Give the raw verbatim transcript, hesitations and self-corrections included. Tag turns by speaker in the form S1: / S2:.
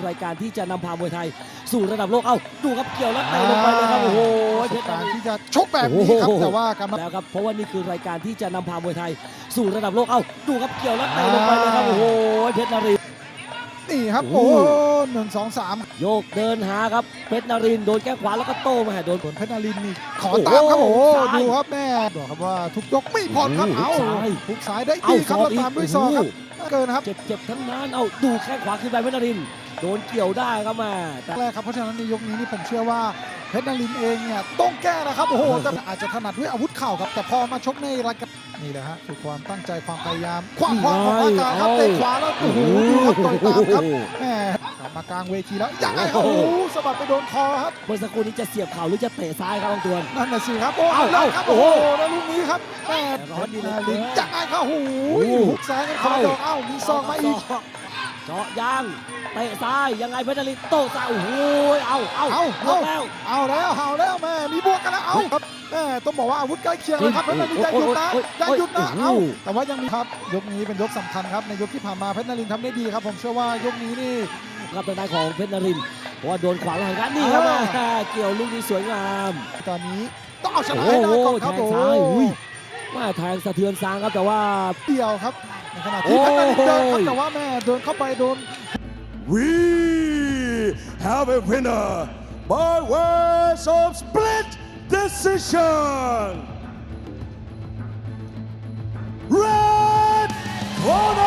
S1: รายการที่จะนำพามวยไทยสู่ระดับโลกเอ้าดูครับเกี่ยวแล้วเตะลงไปเลยครับโอ้โห
S2: เพ
S1: เพ
S2: ช
S1: ช
S2: ร
S1: ร
S2: นา
S1: นา
S2: ริ
S1: ริ
S2: น
S1: น
S2: ที่จะชกแบบนี้ครับแต่ว่าการมา
S1: แล้วครับเพราะว่านี่คือรายการที่จะนำพามวยไทยสู่ระดับโลกเอ้าดูครับเกี่ยวแล้วเตะลงไปเลยครับโอ้โหเพชรนาริน
S2: นี่ครับ
S1: โอ้
S2: โอ้
S1: โห
S2: หนึ่งสองสาม
S1: โยกเดินหาครับเพชรนารินโดนแก้งขวาแล้วก็โต้มาโดน
S2: ส่วนเพชรนารินนี่ขอตามครับ
S1: โอ้
S2: โอ้
S1: โห
S2: ดูครับแม่บอกครับว่าทุกยกไม่ผ่อนครับ
S1: โอ้
S2: เอา
S1: โหซ้าย
S2: ทุกสายได้
S1: เอา
S2: ดีครับ
S1: ศอ
S2: แล้
S1: ก
S2: ว
S1: อีก
S2: ตามด้วยศอกครับเกินครับ
S1: เจ็บเจ็บทั้งนั้นเอาดูแข้งขวาขึ้นไปเพชรนารินโดนเกี่ยวได้ครับมาแต่
S2: แรกครับเพราะฉะนั้นในยกนี้นี่ผมเชื่อว่าเพชรนารินเองเนี่ยต้องแก้นะครับโอ้โหแต่อาจจะถนัดด้วยอาวุธเข่าครับแต่พอมาชกในรายการนี่แหละฮะคือความตั้งใจความพยายามความพร้อมของร่างกายครับเตะขวาแล้วโอ้โหดูครับต่อยตามครับแม่กลับมากลางเวทีแล้วยังไงครับโอ้โหสะบัดไปโดนคอครับ
S1: เมื่อสักครู่นี้จะเสียบเข่าหรือจะเตะซ้ายครับบางตัวน
S2: นั่นน่ะสิครับโอ้
S1: เอ้า
S2: เอาครับ
S1: โอ้
S2: โอ้
S1: โห
S2: โหแล้วลูกนี้ครับแม่
S1: ร้อนดีเหลือเกิ
S2: ลิ
S1: น
S2: นจังไงครับโอ้โห
S1: โอ้โห
S2: หุกซ้ายกันคนละดอกเอ้ามีซองมาอีก
S1: เจาะยางเตะซ้ายยังไงเพชรนารินโต้ซ้ายโอ้โหเอาเอา
S2: เอา
S1: หมดแล้ว
S2: เอาแล้วเอาแล้วแม่มีบวกกันแล้วเอาครับแม่ต้องบอกว่าอาวุธใกล้เคียงเลยครับเพชรนารินอย่าหยุดนะอย่าหยุดนะเอาแต่ว่ายังมีครับยกนี้เป็นยกสำคัญครับในยกที่ผ่านมาเพชรนารินทำได้ดีครับผมเชื่อว่ายกนี้นี่
S1: ครับทางด้านของเพชรนารินเพราะว่าโดนขวางหลังกันนี่ครับ
S2: อ่า
S1: แม่เกี่ยวลูกนี้สวยงาม
S2: ตอนนี้ต้องเอาชนะ
S1: โอ้
S2: ให้
S1: โห
S2: ได้ก่อนครับ
S1: แทง
S2: โอ้โห
S1: ซ้ายอุ้ยว่าแทงสะเทือนซางครับแต่ว่า
S2: เดียวครับในขณะที่เพชรนารินเดินครับ
S1: โอ้ย
S2: แต่ว่าแม่เดินเข้าไปโดน
S3: We have a winner by ways of split decision. Red corner.